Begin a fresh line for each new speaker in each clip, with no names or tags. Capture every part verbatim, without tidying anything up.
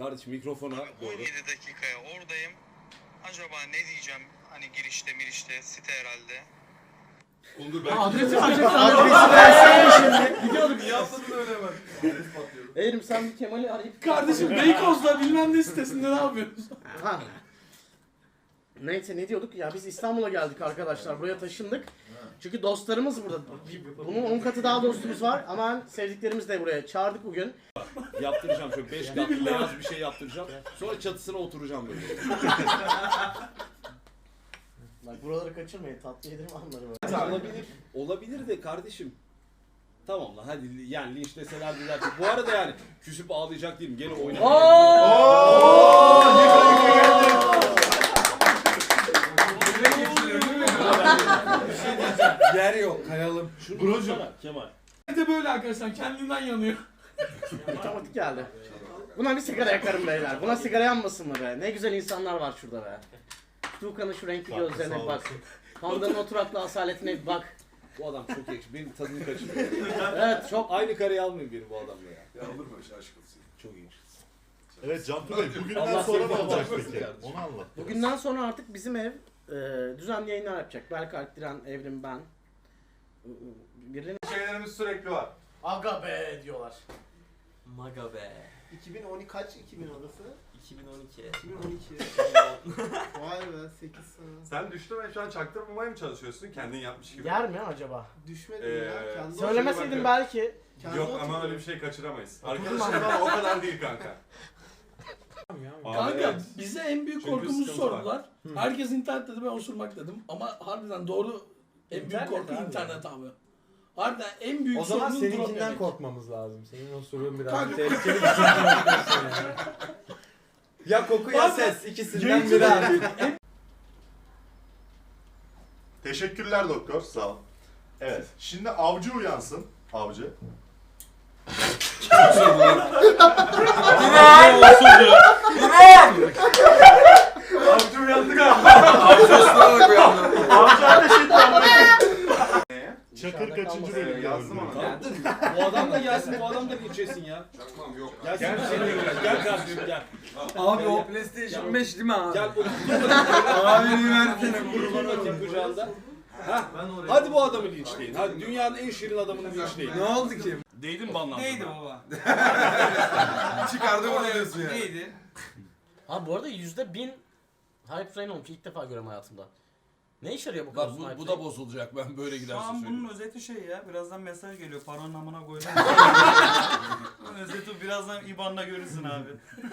Kardeşim mikrofona doğru.
on yedi dakikaya oradayım. Acaba ne diyeceğim? Hani girişte mirişte site herhalde.
Ondur
belki. Adresi
vereceksin.
Adresi versene şimdi. Gidiyorduk.
Niye atladın öyle hemen? Adres patlıyor.
Eğerim sen bir Kemal'i arayıp...
Kardeşim Beykoz'da bilmem ne sitesinde ne yapıyorsun?
Ha. Neyse ne diyorduk ya, biz İstanbul'a geldik arkadaşlar, buraya taşındık. Çünkü dostlarımız burada. Bunun on katı daha dostumuz var ama sevdiklerimiz de buraya çağırdık bugün.
Yaptıracağım şöyle beş katlı beyaz bir şey yaptıracağım. Sonra çatısına oturacağım böyle.
Bak buraları kaçırmayın, tatlı yedirme anları var.
Olabilir. Olabilir de kardeşim. Tamam lan hadi yani linçleseler diler ki. Bu arada yani küsüp ağlayacak değilim. Gene oynayacağım.
Yer yok, kayalım.
Brocum. Kemal.
Bir de böyle arkadaşlar kendinden yanıyor.
Otomatik geldi. Buna bir sigara yakarım beyler. Buna sigara yanmasın mı be? Ne güzel insanlar var şurada be. Tuğkan'ın şu renkli gözlerine bir bak. Panda'nın oturaklı asaletine bir bak.
Bu adam çok yakışıklı. Benim tadını kaçırıyor.
Evet çok.
Aynı kareyi almayın benim bu adamla ya.
Ya olur mu öyle aşk olsun?
Çok iyi.
Evet Cantu Bey, bugünden
Allah
sonra
seni
ne olacak
korusun
peki?
kardeşim.
Onu anlat.
Bugünden sonra artık bizim ev e, düzenli yayınlar yapacak. Berk Alptiren, Evrim, ben. Birilerine
Şeylerimiz sürekli var.
aga be diyorlar.
Maga be.
iki bin on iki kaç iki bin odası?
iki bin on iki.
iki bin on iki. Vay be sekiz sene.
Sen düştün ve şu an çaktırmamaya mı çalışıyorsun? Kendin yapmış gibi.
Yer mi acaba?
Düşmedim
Ee,
ya. Kendi
Söylemeseydin belki.
Kendi
Yok
oturdum.
ama öyle bir şey kaçıramayız.
Oturdum
Arkadaşlar ama o kadar değil kanka.
Kanka
evet.
bize en büyük
Çünkü
korkumuzu
sıkıntı var.
sordular. Herkes internet dedi, ben osurmak dedim. Ama harbiden doğru en büyük
İnternet
korku
abi.
internet abi. Harbiden en büyük
O zaman
sorunun drop
seninkinden
yemek.
korkmamız lazım. Senin o sorun biraz
Kanka-
tehlikeli bir şey. Yani. Ya koku ya
Kanka,
ses, ikisinden biri artık.
Teşekkürler doktor, sağ ol. Evet, şimdi avcı uyansın. Avcı.
Avcı uyandık abi. Avcı ıslanarak uyandım.
Avcı ateş etti amına. Çakır
Dışarıda
kaçıncı
kalmasın.
bölüm
Yazdım
yazdım
ama.
ama.
Tamam. Bu adam da gelsin, bu adam da linçesin ya.
Çakmam yok.
Gelsin gel, gel, gel kardeşim gel.
Abi o PlayStation beş değil mi abi?
Gel otur.
Abini versene.
Kurban atayım kucağında. Hah. Hadi bu adamı linçleyin. Hadi dünyanın en şirin adamını linçleyin.
Ne oldu ki?
Değdin banlandın.
Neydi baba?
Çıkardı bunu diyorsun ya.
Neydi?
Abi bu arada yüzde bin hype train olmuş. İlk defa görüyorum hayatımda. Ne işe yarıyor bu
Bak
kadar
bu,
hype
bu
train?
da bozulacak ben böyle
Şu
giderse
an
söyleyeyim.
bunun özeti şey ya, birazdan mesaj geliyor, paranın amına koydum. Bunun özeti birazdan İBAN'da görürsün abi.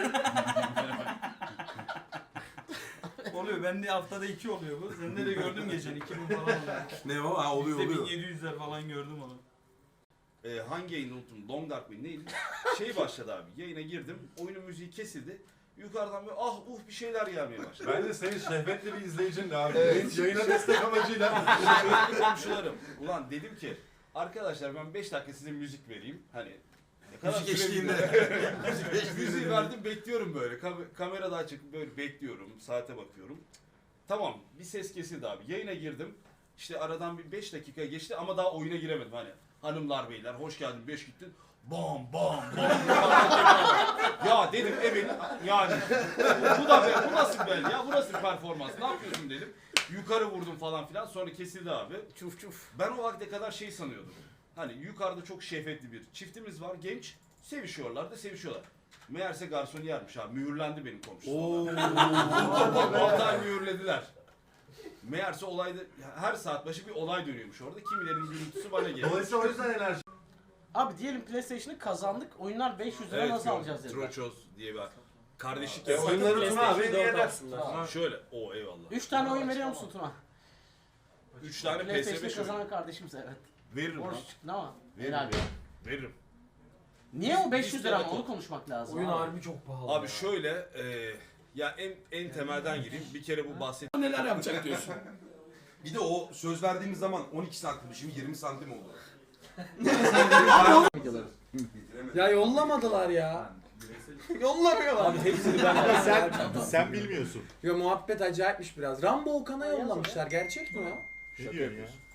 Oluyor, bende haftada iki oluyor bu. Sende de gördüm geçen, iki bin falan oluyor.
Ne o? Ha oluyor
Bizde bin
oluyor.
yedi yüzler falan gördüm onu.
Ee, hangi yayını unuttum? Long Dark mı? Neydi? Şey başladı abi. Yayına girdim. Oyunun müziği kesildi. Yukarıdan böyle ah uh bir şeyler gelmeye başladı.
Bence senin şehvetli bir izleyicin de abi.
Evet.
Yayına destek amacıyla.
Şöyle komşularım. Ulan dedim ki arkadaşlar ben beş dakika size müzik vereyim. Hani ne kadar
Müzik
sürebilir?
eşliğinde.
Müziği verdim bekliyorum böyle. Kam- kamera da açık böyle bekliyorum. Saate bakıyorum. Tamam bir ses kesildi abi. Yayına girdim. İşte aradan bir beş dakika geçti ama daha oyuna giremedim hani. Hanımlar beyler hoş geldin beş gittin. Bam bam bam. Ya dedim evet yani bu, bu da be, bu nasıl bel ya bu nasıl performans ne yapıyorsun dedim. Yukarı vurdum falan filan sonra kesildi abi.
Çuf çuf.
Ben o vakte kadar şey sanıyordum. Hani yukarıda çok şehvetli bir çiftimiz var genç sevişiyorlar da sevişiyorlar. Meğerse garsoniyermiş abi mühürlendi benim komşum. altı ay mühürlediler. Meğerse olayda her saat başı bir olay dönüyormuş orada. Kimilerin gürültüsü bana geliyor.
Dolayısıyla o yüzden enerji.
Abi diyelim PlayStation'ı kazandık. Oyunlar beş yüz lira
Evet,
nasıl
yok.
alacağız dediler.
Troçoz diye bir kardeşlik
E,
yapıyor.
oyunları Tuna abi hediye eder.
Şöyle, o eyvallah.
üç tane oyun veriyor musun Tuna?
üç tane P S
PlayStation'ı
beş oyunu.
kazanan kardeşimiz evet.
Veririm lan.
Borç çıktı ama.
Veririm.
Helal.
Veririm.
Niye o beş yüz lira ama
Biz-
onu konuşmak lazım.
Oyun
abi.
harbi çok pahalı.
Abi şöyle, e, ya en en temelden gireyim. Bir kere bu bahset.
Neler yapacak diyorsun.
Bir de o söz verdiğimiz zaman on iki santim şimdi yirmi santim oldu.
Videoları.
Ya yollamadılar ya. Yollamıyorlar.
Abi hepsini ben
Sen, sen bilmiyorsun.
Ya muhabbet acayipmiş biraz. Rambo Okan'a yollamışlar. Gerçek mi o?
Ne diyorsun ya?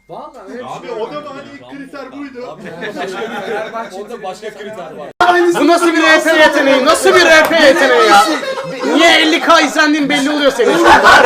Vallahi öyle bir
Abi
şey
o
yok.
da mı hani ilk kriter buydu?
Orada başka kriter var.
Bu nasıl bir R P yeteneği? Nasıl bir R P yeteneği ya? Niye elli K izlendiğin belli oluyor senin şu anda.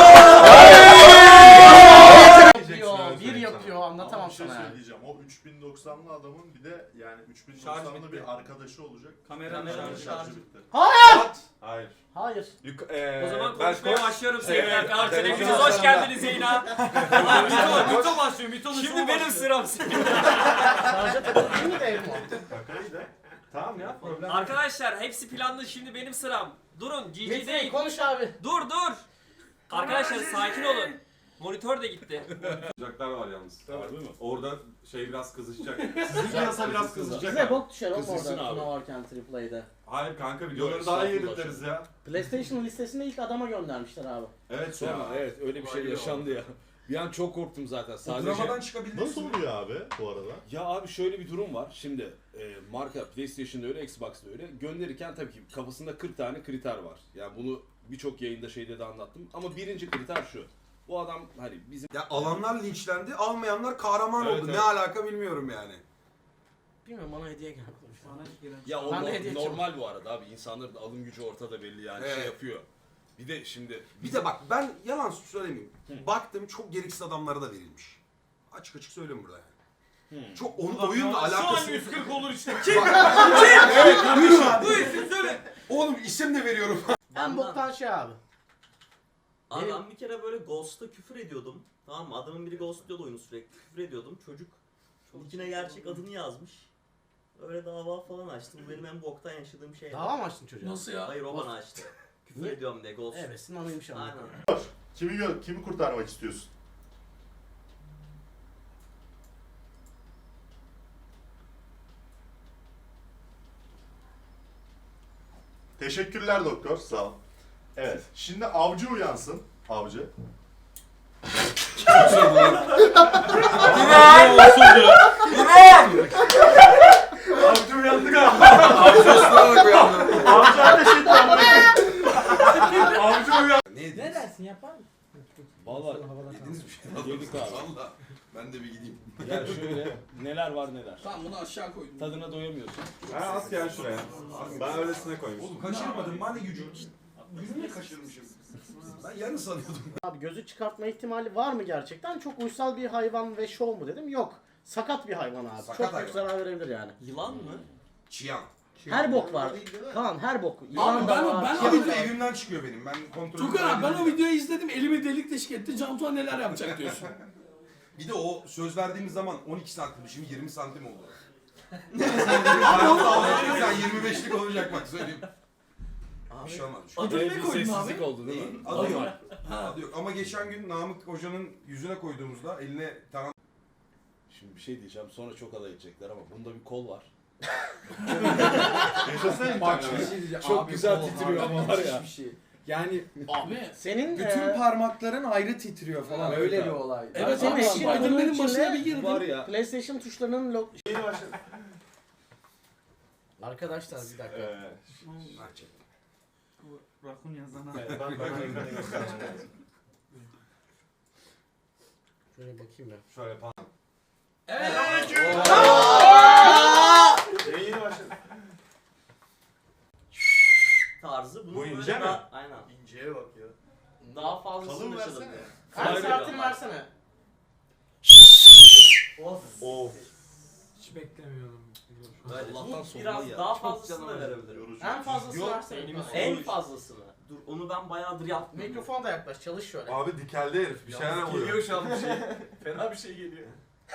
Yapıyor, bir yapıyor, anlatamam
Bir şey
sana yani.
söyleyeceğim. O üç bin doksanlı adamın bir de yani üç bin
Şarj
doksanlı
bitti.
bir arkadaşı olacak.
Kameranın
Kameranın
şarjı.
şarjı bitti.
Hayır!
Hayır.
Hayır.
O zaman konuşmaya başlıyorum sevgiler kanalına. Hepiniz hoş geldiniz yayına. Mito, Mito başlıyor. Mito'nun Şimdi benim sıram.
Şarja takılı değil mi de Elmo?
Kakayı da. Tamam ya problem.
Arkadaşlar hepsi planlı, şimdi benim sıram. Durun, G G
Metin
değil.
konuş abi.
Dur dur. Arkadaşlar sakin olun. Monitör de gitti.
Sıcaklar var yalnız.
Harbi mi?
Orada şey biraz kızışacak. Sizin piyasa biraz kızışacak.
Bize
abi.
bok düşer oğlum
Kızılsın
orada
abi.
Tuna varken Triple A'da.
Hayır kanka
Yok,
videoları daha iyi
estağfurullah
editleriz ya.
PlayStation listesinde ilk adama göndermişler abi.
Evet
Sonra
ya.
evet öyle bir şey yaşandı ya. Bir an çok korktum zaten. Sadece
Dramadan çıkabildiniz
Nasıl
mi?
oluyor abi bu arada?
ya abi şöyle bir durum var. Şimdi e, marka PlayStation'da öyle, Xbox'da öyle. Gönderirken tabii ki kafasında kırk tane kriter var. Yani bunu birçok yayında şeyde de anlattım. Ama birinci kriter şu. Bu adam hani bizim
Ya alanlar linçlendi, almayanlar kahraman
Evet,
oldu.
evet.
Ne alaka bilmiyorum yani.
Bilmiyorum bana hediye geldi.
ya o
Ben de
no-
hediye
normal bu arada abi. İnsanların alım gücü ortada belli yani şey
Evet.
yapıyor. Bir de şimdi
Bir de bak ben yalan söylemeyeyim. Baktım çok gereksiz adamlara da verilmiş. Açık açık söylüyorum burada yani. Çok onun oyunla
Şu an
alakası
yüz kırk olur işte.
Yürü abi.
Bu isim söyle.
Oğlum isim de veriyorum.
En boktan şey abi.
Abi
Benim-
ben bir kere böyle Ghost'a küfür ediyordum. Tamam mı? Adamın biri ghostluyordu oyunu sürekli. Küfür ediyordum. Çocuk içine gerçek adını yazmış. Öyle dava falan açtı. Bu benim en boktan yaşadığım şey.
Dava mı açtın çocuğa?
Nasıl ya?
Hayır o bana açtı. Küfür
Niye?
ediyorum diye ghost.
Evet, sinanıymış ama.
Aynen.
Kimi gö- kimi kurtarmak istiyorsun? Teşekkürler doktor, sağ ol. Evet, şimdi avcı uyansın. Avcı. Avcı uyandı galiba. Avcı ateş etti ama. Avcı uyandı.
Ne
Ne dersin yapar mısın?
vallahi
Yediniz bir şey.
yedik abi.
Valla. Ben de bir gideyim.
Ya şöyle neler var neler.
Tamam bunu aşağı koydum.
Tadına doyamıyorsun.
Ha at gel şuraya. Ben öylesine koymuştum.
Oğlum kaçırmadım ben de gücüm. Yüzünü kaçırmışım. Ben yarın sanıyordum.
Abi gözü çıkartma ihtimali var mı gerçekten? Çok uysal bir hayvan ve şov mu dedim? Yok. Sakat bir hayvan abi.
Sakat
Çok
hayvan.
büyük zarar verebilir yani.
Yılan mı?
Çiyan.
Her bok var. Kaan her bok. Yılan
ben-
da var.
ben-
Çiyan da evimden çıkıyor benim. Ben kontrol
Tukan abi ben o videoyu izledim. Elimi delik deşik etti. Cantuan neler yapacak diyorsun.
Bir de o söz verdiğimiz zaman on iki santim, şimdi yirmi santim oldu. Sen yirmi beşlik olacak bak söyleyeyim. Bir şey olmaz. bir şey olmaz.
Adını ne
Bir
koydun
sessizlik
abi?
oldu değil mi?
Adı yok. Adı yok. Ama geçen gün Namık Hoca'nın yüzüne koyduğumuzda eline taran...
Şimdi bir şey diyeceğim sonra çok alay edecekler ama bunda bir kol var.
Yaşasın
Bak
internet.
bir şey diyeceğim.
Çok
Abi,
güzel
kol
titriyor
abi,
ama var ya.
müthiş bir şey. Yani
Abi.
Senin
bütün
e,
parmakların ayrı titriyor falan.
Evet
Öyle
abi.
bir olay.
Evet
senin
abi
eşin bunun
Spider-Man'in başına bir
içinde
girdi.
Var ya.
PlayStation tuşlarının log... Arkadaşlar bir dakika.
Ee,
Rakun yazana.
ben ben ekrana göstereceğim.
Şöyle bakayım ya.
Şöyle pan.
Yayını başladı.
Tarzı. Bunun
Bu
böyle
ince mi?
daha- Aynen.
İnceye bak ya.
Daha fazlasını
Kalın
yaşadım.
versene.
Her saatini versene.
Of.
Of.
Hiç beklemiyordum.
Böyle
Allah'tan
bu
sonunda
biraz
ya.
daha
Çok
fazlasını da
canım
verebilirim.
Yorucu.
En fazlasını
Yok,
versene.
En fazlasını. Dur onu ben bayağıdır yaptım.
Mikrofona da yaklaş, çalış şöyle.
Abi dikeldi herif. Bir şeyler oluyor.
Geliyor şu an bir şey. Fena bir şey geliyor.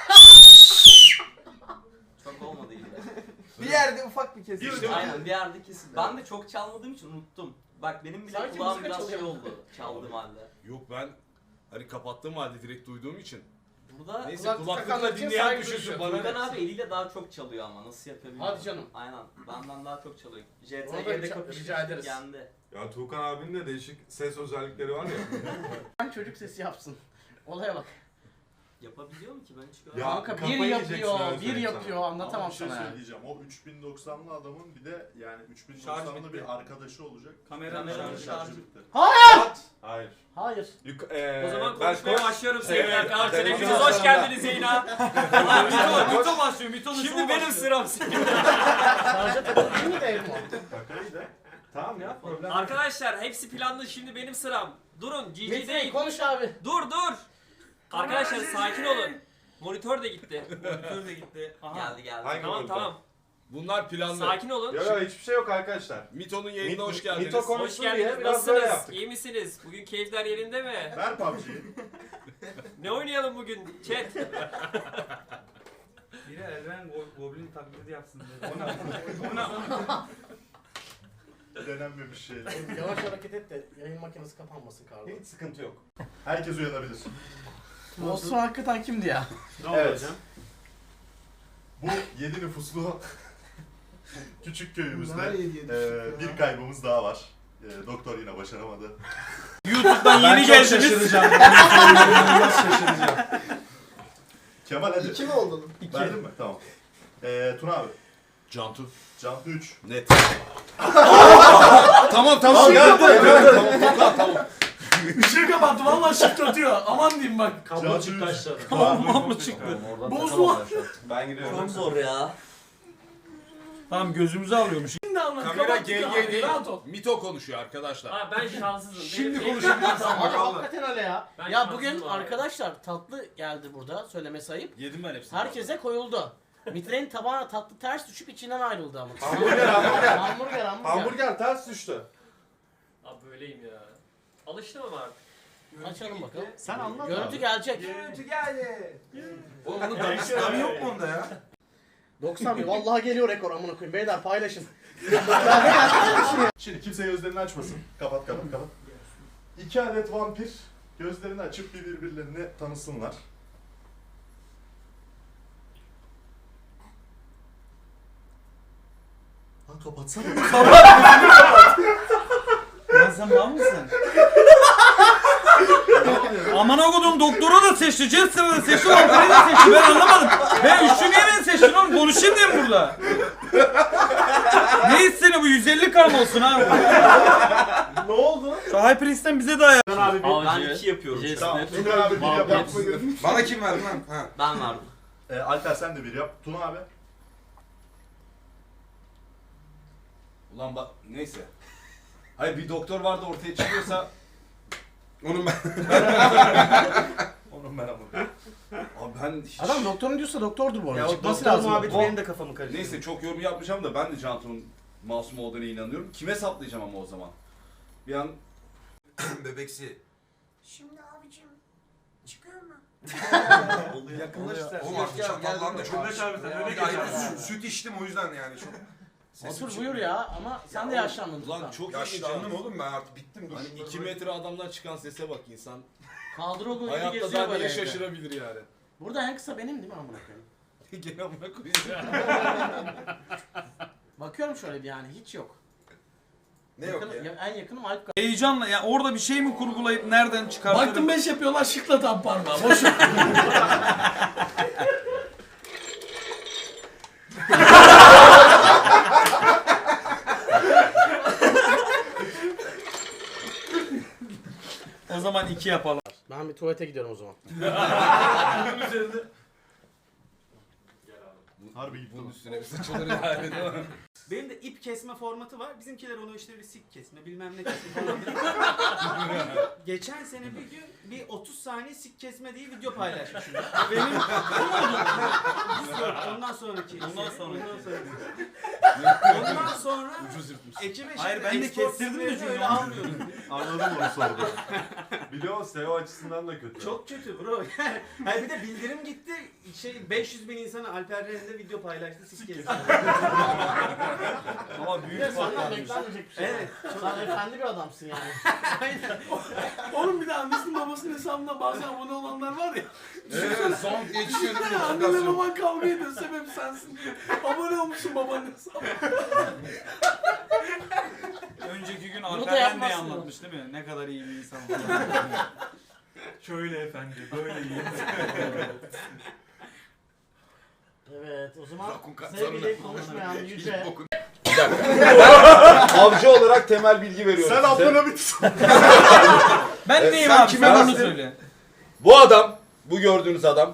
Çok olmadı iyi.
Bir yerde ufak bir kesim.
İşte-
Aynen bir yerde kesin. Ben de çok çalmadığım için unuttum. Bak benim bile
Sanki
kulağım
müzik
biraz şey
çalıyor.
oldu çaldığım halde.
Yok ben hani kapattığım halde direkt duyduğum için.
Burada
Neyse
Kulaklık
kulaklıkla
takanlar için
dinleyen
saygı
düşünsün
duyuyor.
bana
Furkan
ne.
abi eliyle daha çok çalıyor ama nasıl yapabiliyor?
Hadi canım.
Aynen. Benden daha çok çalıyor. J
Ona da
T G'de
rica-
kapıştık
rica ederiz.
yendi.
Ya Tuğkan abinin de değişik ses özellikleri var ya.
Ben çocuk sesi yapsın. Olaya bak.
Yapabiliyor mu ki ben hiç
Ya,
görmedim.
Kanka bir
kafayı
yapıyor,
yiyeceksin, öyle
bir
söyleyeyim
yapıyor.
sana.
Anlatamam
Ama bir şey
sana yani.
söyleyeceğim. O üç bin doksanlı adamın bir de yani üç bin
Şarj
doksanlı
bitti.
bir arkadaşı olacak.
Kameranın
Kameranın
şarjı.
şarjı
bitti.
Hayır.
Hayır.
Yuk- eee,
O zaman
ben
konuşmaya
koş-
başlıyorum sevgili
Evet,
arkadaşlar.
televizyon
Hepiniz hoş
salonunda.
geldiniz yayına. Ulan Mito, Mito başlıyor. Mito'nun Şimdi benim sıram.
Şarja takılı değil mi de ev mi?
Kakaydı. Tamam ya problem.
Arkadaşlar hepsi planlı. Şimdi benim sıram. Durun. G G
Metin
değil.
konuş abi.
Dur dur. Arkadaşlar sakin olun. Monitör de gitti.
Monitör de gitti. Aha.
Geldi geldi.
Hangi
Tamam
monitör?
tamam.
Bunlar planlı.
Sakin olun.
Ya ya hiçbir şey yok arkadaşlar.
Mito'nun yayınına
Mit-
hoş geldiniz.
Mito konu-
Hoş
konuşsun diye
geldiniz.
biraz böyle
Nasılsınız?
yaptık.
İyi misiniz? Bugün keyifler yerinde mi?
Ver P U B G'yi.
Ne oynayalım bugün? Chat.
Biri Elven Goblin taklidi yapsın dedi. O ne? O ne?
Denenmemiş şeyler.
Yavaş hareket et de yayın makinesi kapanmasın Kardo.
Hiç sıkıntı yok.
Herkes uyanabilir.
Osman hakikaten kimdi ya?
Evet. Bu yedi nüfuslu küçük köyümüzde
Bunlar yedi yedi
eee,
nüfuslu
bir
ya.
kaybımız daha var. Eee, doktor yine başaramadı.
YouTube'dan yeni geldiniz.
şaşıracağım. Nasıl şaşıracağım?
Kemal hadi.
İki mi oldun?
Verdin mi? Tamam. Eee Tuna abi.
Cantu.
Cantu üç.
Net. tamam tamam.
geldi, geldi.
Tamam tamam tamam.
Işığı kapattı vallahi ışık tutuyor. Aman diyeyim bak.
Kablo çıktı aşağıda.
Kablo çıktı. Bozma.
Ben gidiyorum.
Çok zor ya.
Tamam gözümüzü alıyormuş. Şimdi anlat.
Kamera
kapat,
G
kapat,
G değil.
rahat ol.
Mito konuşuyor arkadaşlar.
Ha ben şanssızım.
Şimdi
Benim-
konuşabilirsin
Abi
bakalım.
hakikaten öyle ya.
Ben
Ya
şanssızım
bugün
abi.
arkadaşlar tatlı geldi burada söylemesi ayıp.
Yedim ben hepsini.
Herkese koyuldu. Mitre'nin tabağına tatlı ters düşüp içinden ayrıldı ama.
Hamburger, hamburger.
Hamburger, hamburger.
Hamburger ters düştü.
Abi böyleyim ya. Alıştım ama artık.
Açalım bakalım.
Sen anlat
Görüntü
abi.
gelecek.
Oğlum bunun damı yok mu onda ya?
doksan bin. Vallahi geliyor rekor amına koyayım. Beyler paylaşın.
Şimdi kimse gözlerini açmasın. Kapat kapat kapat. İki adet vampir gözlerini açıp bir birbirlerini tanısınlar. Lan kapatsana.
Lan sen mal mısın? Aman okudum doktora da seçti, Jester'ı da seçti, Valtteri de seçti. Ben anlamadım. Ben üçlü niye beni seçtin oğlum? Konuşayım diye mi burada? Ne istedi bu? yüz elli kar mı olsun abi?
Ne oldu?
Şu HyperX'ten bize de ayar.
Abi ben iki yapıyorum.
Tamam. Tuna abi bir yap. yap.
Bana kim verdi lan? Ha.
Ben vardım.
Ee, Alper sen de bir yap. Tuna abi.
Ulan bak neyse. Hayır bir doktor vardı ortaya çıkıyorsa
Onun ben.
Onun ben ama.
abi ben hiç...
Adam doktorun diyorsa doktordur bu arada.
Ya o
Çıkması
doktor
lazım.
muhabbeti
O-
benim de kafamı karıştırdı.
Neyse çok yorum yapmayacağım da ben de Cantu'nun masum olduğuna inanıyorum. Kime saplayacağım ama o zaman? Bir an
Bebeksi.
Şimdi abicim çıkıyor mu?
Yakınlaştı. Oğlum artık çatallandı çok.
Öyle abi sen, öyle
Bir ayda süt, süt içtim o yüzden yani çok. Sesim
Otur
çıkıyor.
buyur ya ama sen de yaşlandın.
ulan
Tukan.
çok ilginç
Yaşlandım
ya.
oğlum ben artık bittim. Dur.
Hani iki metre adamdan çıkan sese bak insan.
Kaldırıldığı gibi
Hayatta
geziyor
daha
böyle
neye
evde.
şaşırabilir yani.
Burada en kısa benim değil mi amına koyayım?
Gene amına koyayım.
Bakıyorum şöyle bir yani hiç yok.
Ne yok
Yakın-
ya?
En yakınım Alp.
Heyecanla ya orada bir şey mi kurgulayıp nereden çıkartırım? Baktım beş yapıyorlar şıkla tam parmağı. Boş ver. O zaman iki yapalım.
Ben bir tuvalete gidiyorum o zaman.
Harbi gitti.
Bunun üstüne bir saçılır yani değil mi?
Benim de ip kesme formatı var. Bizimkiler onu işte bir sik kesme bilmem ne kesme falan. Geçen sene bir gün bir otuz saniye sik kesme diye video paylaşmışım. Benim Yok, ondan sonraki.
Ondan sonraki.
Ondan sonraki. Ondan sonra
Ucuz yırtmış.
ekibe
Hayır,
şimdi
ben de
export
kestirdim de
sitelerini
çünkü
öyle
onu.
almıyoruz.
Anladım onu sordu. Biliyor musun? S E O açısından da kötü.
Çok kötü bro. Hayır bir de bildirim gitti. Şey beş yüz bin insana Alper Ren'de video paylaştı sik kesme.
Ama
Bir de
büyük
senden
fark
beklenmeyecek bir şey.
Evet.
Sen efendi bir adamsın yani.
Oğlum bir de annesinin babasının hesabında bazen abone olanlar var ya.
Evet son geçiyor değil mi?
Annenle
Notifikasyon.
baban kavga ediyor sebep sensin diye. Abone olmuşsun babanın hesabına. Önceki gün
da
Alper Rende'yi
yapmazsın
anlatmış değil mi? Ne kadar iyi bir insan. Şöyle efendi, böyle yiyin.
Evet o zaman
Rakun kat
sevgili
sonuna.
konuşmayan Yüce.
Avcı olarak temel bilgi veriyorum
Sen
size.
ablana bir
Ben
Evet,
neyim
sen
abi?
kime
Sen onu
bastın?
söyle.
Bu adam, bu gördüğünüz adam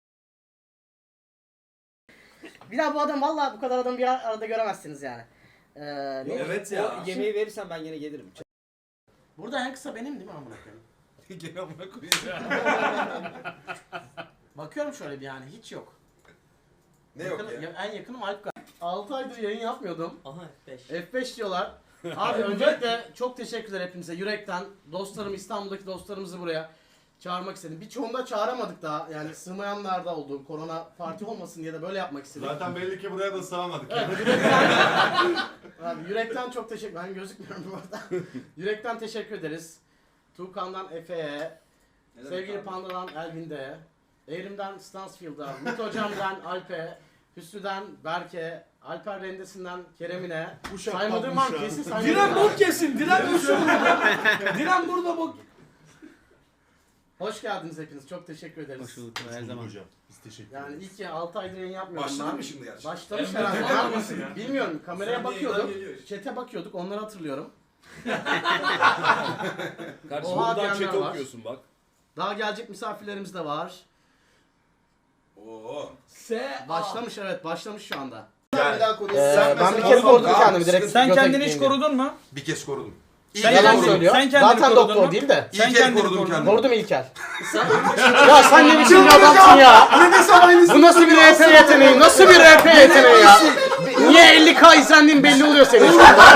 Bir daha bu adam vallahi bu kadar adam bir arada göremezsiniz yani. Ee, ne-
Evet ya. Yemeği verirsen ben yine gelirim.
Burada en kısa benim değil mi amına koyayım?
gene amına koyacağım.
Bakıyorum şöyle bir yani hiç yok.
Ne yok
Yakın-
ya?
En yakınım Alp Kaya. altı aydır yayın yapmıyordum.
Aha F beş.
F beş diyorlar. Abi öncelikle çok teşekkürler hepinize yürekten. Dostlarım İstanbul'daki dostlarımızı buraya çağırmak istedim. Birçoğunu da çağıramadık daha. Yani sığmayanlar da oldu. Korona parti olmasın diye de böyle yapmak istedim.
Zaten belli ki buraya da sığamadık.
Evet, yürekten, abi, yürekten çok teşekkür Ben gözükmüyorum bu arada. Yürekten teşekkür ederiz. Tuğkan'dan Efe'ye, sevgili Panda'dan Elvin'de, Evrim'den Stansfield'a, Mut Hocam'dan Alp'e, Hüsnü'den Berke, Alper Rendesi'nden Kerem'ine, saymadığım var mı? Kesin saymadığım
Diren
var.
bok kesin, Diren ölsün. Diren burada bok.
Hoş geldiniz hepiniz. Çok teşekkür ederiz.
Hoş bulduk her zaman.
Hocam. Biz teşekkür
Yani ilk ya altı aydır yayın yapmıyorum
Başladı
ben.
mı şimdi gerçekten?
Başlamış herhalde. Var mısın? Bilmiyorum. Kameraya bakıyorduk. Chat'e bakıyorduk. Onları hatırlıyorum.
Kardeşim
Oha
buradan
diyenler
chat'e
var.
okuyorsun bak.
Daha gelecek misafirlerimiz de var.
Oo.
Se
Başlamış evet. Başlamış şu anda.
Yani,
Bir daha konuş.
Ee,
Sen
ben bir
mesela-
kere korudum
Tamam,
kendimi direkt.
Sen
göte
kendini hiç
gitmeyeyim
korudun mu?
bir kez korudum. İlk
Sen
el
Yalan
kendini-
korudum.
söylüyor.
sen kendini
Zaten
korudun
doktor
mu?
değil de.
İlk el
kendini
korudum
korudun.
kendimi.
Korudum İlker. ya sen ne biçim bir adamsın ya? Bu nasıl bir R P yeteneği? Nasıl bir R P yeteneği ya? Niye elli K izlendiğin belli oluyor senin şu anda.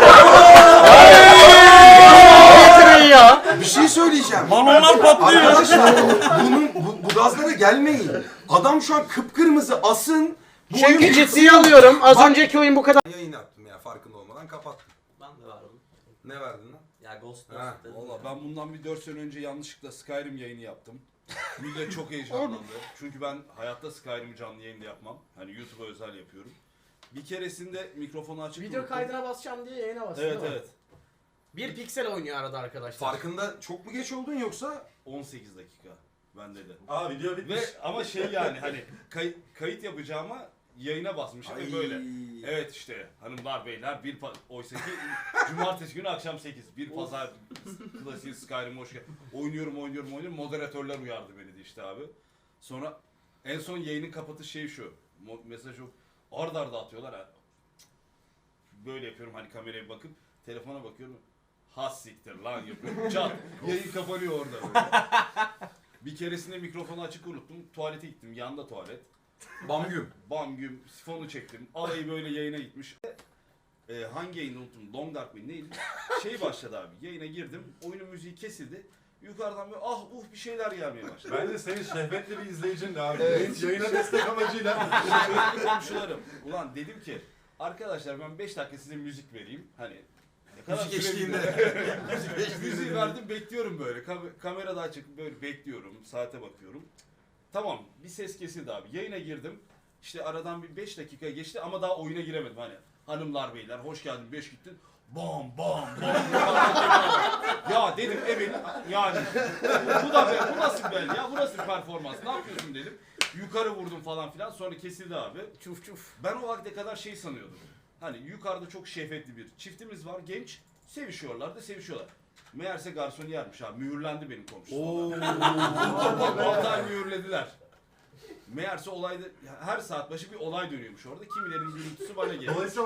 Yeteneği ya.
Bir şey söyleyeceğim.
Balonlar patlıyor.
Arkadaşlar bunun bu, bu gazlara gelmeyin. Adam şu an kıpkırmızı asın. Bu
Çünkü
oyun-
ciddiye alıyorum. Az
Bak-
önceki oyun bu kadar.
Yayın yaptım ya farkında olmadan kapattım.
Ben de vardım.
Ne verdin lan?
Ya Ghost Ghost
Ha,
dedim.
Valla ben bundan bir dört sene önce yanlışlıkla Skyrim yayını yaptım. Millet çok heyecanlandı. Çünkü ben hayatta Skyrim'i canlı yayında yapmam. Hani YouTube'a özel yapıyorum. Bir keresinde mikrofonu açıp
Video
unuttum.
kaydına basacağım diye yayına bastım.
Evet
değil mi?
evet.
Bir piksel oynuyor arada arkadaşlar.
Farkında çok mu geç oldun yoksa?
on sekiz dakika bende de.
Aa video bitmiş.
Ve ama şey yani hani kay- kayıt yapacağıma yayına basmışım ve böyle. Evet işte hanımlar beyler bir pa- oysa ki cumartesi günü akşam sekiz bir pazar klasik Skyrim hoş geldin. Oynuyorum oynuyorum oynuyorum moderatörler uyardı beni de işte abi. Sonra en son yayının kapatış şeyi şu. Mo- mesaj yok. Arda arda atıyorlar ha. Böyle yapıyorum hani kameraya bakıp telefona bakıyorum. Has siktir lan yapıyorum. Çat. Yayın kapanıyor orada böyle. Bir keresinde mikrofonu açık unuttum. Tuvalete gittim. Yanda tuvalet.
Bam güm.
Bam güm sifonu çektim. Alayı böyle yayına gitmiş. Ee, hangi yayını unuttum? Long Dark mı neydi? Şey başladı abi. Yayına girdim. Oyunun müziği kesildi. Yukarıdan böyle ah uh bir şeyler gelmeye başladı.
Bence senin şehvetli bir izleyicin de abi.
Evet.
Yayına destek amacıyla.
Komşularım. Ulan dedim ki arkadaşlar ben beş dakika size müzik vereyim. Hani ne kadar
Müzik
sürebilir?
eşliğinde. Müzik
Müziği
eşliğinde.
verdim bekliyorum böyle. Kam- kamera da açık böyle bekliyorum. Saate bakıyorum. Tamam bir ses kesildi abi. Yayına girdim. İşte aradan bir beş dakika geçti ama daha oyuna giremedim hani. Hanımlar beyler hoş geldin beş gittin. Bam bam bam. ya dedim evet yani bu da be, bu nasıl bel ya bu nasıl performans ne yapıyorsun dedim. Yukarı vurdum falan filan sonra kesildi abi.
Çuf çuf.
Ben o vakte kadar şey sanıyordum. Hani yukarıda çok şehvetli bir çiftimiz var genç sevişiyorlar da sevişiyorlar. Meğerse garsoniyermiş abi mühürlendi benim komşum. Vallahi mühürlediler. Meğerse olayda her saat başı bir olay dönüyormuş orada. Kimilerin gürültüsü bana geliyor.
Dolayısıyla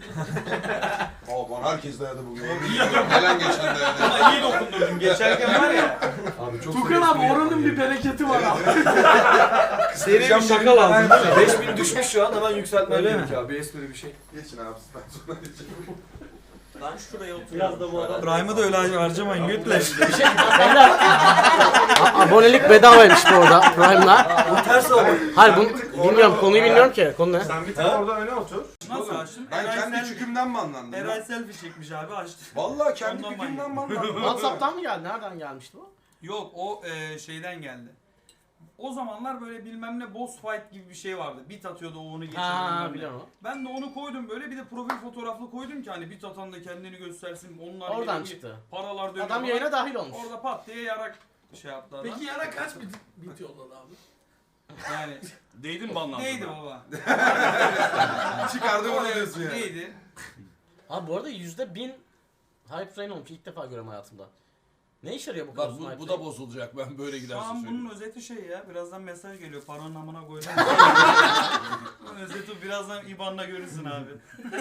Aa bana herkes dayadı bugün. Gelen geçen dayadı.
Ama iyi dokundurdun. Geçerken var ya.
Abi çok
Tukan abi oranın bir bereketi var abi.
Seri bir şaka lazım değil mi? beş bin düşmüş şu an hemen yükseltmen
Öyle mi?
gerekiyor abi. Espri bir şey.
Geçin abi ben sonra geçeyim.
Ben şuraya oturuyorum. Biraz da bu adam.
Prime'ı da öyle harcamayın götle.
Beyler a- abonelik bedavaymış bu arada Prime'la.
Bu ters oldu.
Hayır bunu bilmiyorum konuyu bilmiyorum ki. Konu ne?
sen bir tek orada öne otur.
Nasıl açtım?
Ben kendi çükümden mi anlandım?
Eray
lan?
selfie çekmiş abi açtı.
Vallahi kendi
Ondan
çükümden mi anlandım?
WhatsApp'tan mı geldi? Nereden gelmişti bu?
Yok o e, şeyden geldi. O zamanlar böyle bilmem ne boss fight gibi bir şey vardı. Bit atıyordu o onu geçiyordu.
Ha
bilmem ne.
biliyorum.
Ben de onu koydum böyle bir de profil fotoğraflı koydum ki hani bit atan da kendini göstersin. Onlar
Oradan
gibi
çıktı.
paralar dönüyor.
Adam
falan.
yayına dahil olmuş.
Orada pat diye yarak şey yaptı adam.
Peki yana kaç bit, bit yolladı abi?
Yani
Değdi mi banlandın?
neydi baba?
Çıkardı bunu diyorsun ya.
Neydi?
Abi bu arada yüzde bin hype train olmuş. İlk defa görüyorum hayatımda. Ne işe yarıyor bu kadar
Bak
uzun
bu,
hype
bu
train?
da bozulacak ben böyle
Şu
giderse
an
söyleyeyim.
bunun özeti şey ya. Birazdan mesaj geliyor. Paranın amına koydum. Bunun özeti birazdan I B A N'la görürsün abi.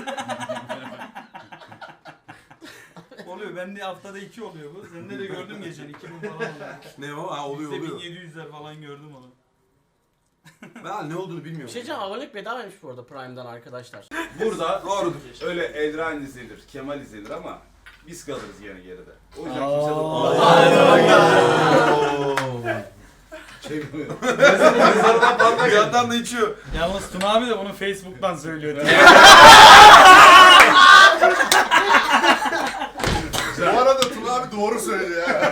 Oluyor. Bende haftada iki oluyor bu. Sende de gördüm geçen. iki bin falan oluyor.
Ne o? Ha oluyor
Bizde
oluyor.
bin yedi yüzler falan gördüm onu.
Ben ne olduğunu
Bir
bilmiyorum.
şey diyeceğim, abonelik bedavaymış bu arada Prime'dan arkadaşlar.
Burada
Doğrudur.
öyle Edran izlenir, Kemal izlenir ama biz kalırız yine geride. O yüzden
Aa.
kimse dokunmaz. Çekmiyor.
Bir yandan da içiyor.
Yalnız Tuna abi de bunu Facebook'tan söylüyor.
Bu arada Tuna abi doğru söylüyor ya.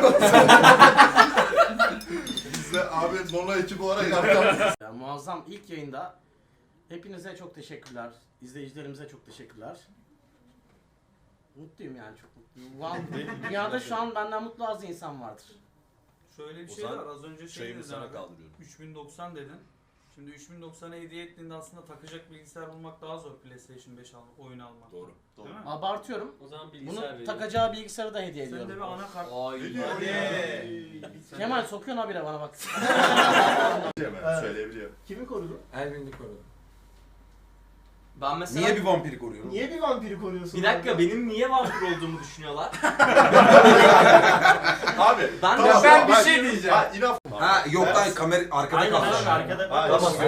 Biz de abi Mola ekibi olarak yaptık.
Ya, muazzam ilk yayında hepinize çok teşekkürler. İzleyicilerimize çok teşekkürler. Mutluyum yani, çok mutluyum. Wow. Dünyada şu an benden mutlu az insan vardır.
Şöyle bir
O
şey
zaman
var. Az önce şey
Şeyimi
dedin
sana
abi.
kaldırıyorum.
üç bin doksan dedin. Şimdi üç bin doksana hediye ettiğinde aslında takacak bilgisayar bulmak daha zor PlayStation beş al, oyun almak.
Doğru.
Değil mi?
Abartıyorum.
O zaman
Bunu
bilgisayar veriyor.
takacağı bilgisayarı da hediye
Sen de bir
ediyorum.
anakart.
Ay.
Ne diyor?
Hadi.
Kemal sokuyorsun habire bana bak.
Hemen söyleyebiliyor.
Kimi korudu?
Elvin'i korudu.
Ben mesela...
Niye bir vampiri koruyorsun?
Niye bir vampiri koruyorsun?
Bir dakika benim niye vampir olduğumu düşünüyorlar?
Abi
Ben
tamam,
ben bir
bak-
şey diyeceğim.
Ha inaf.
Ha yok lan kamera arkada
Aynen
kalmış.
abi arkada.
Hayır.
Tamam.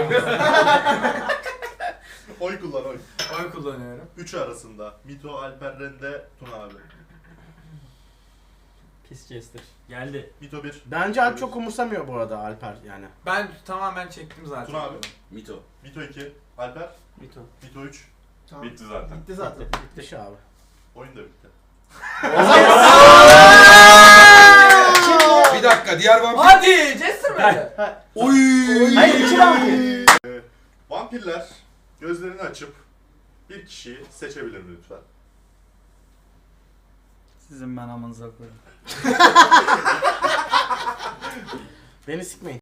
Oy kullan oy.
Oy kullanıyorum.
Üç arasında. Mito, Alper, Rende, Tuna abi.
Pis Chester. Geldi.
Mito bir.
Bence Alp çok umursamıyor bu arada Alper yani.
Ben tamamen çektim zaten.
Tuna abi.
Mito.
Mito iki. Alper.
Mito.
Mito üç.
Tamam.
Bitti zaten.
Bitti zaten.
Bitmiş abi.
Oyun da bitti.
Bir dakika diğer vampir.
Hadi Jester mi?
Oy.
Hayır iki vampir.
Vampirler gözlerini açıp bir kişiyi seçebilir mi lütfen?
Sizin ben amanıza koyayım.
Beni sikmeyin.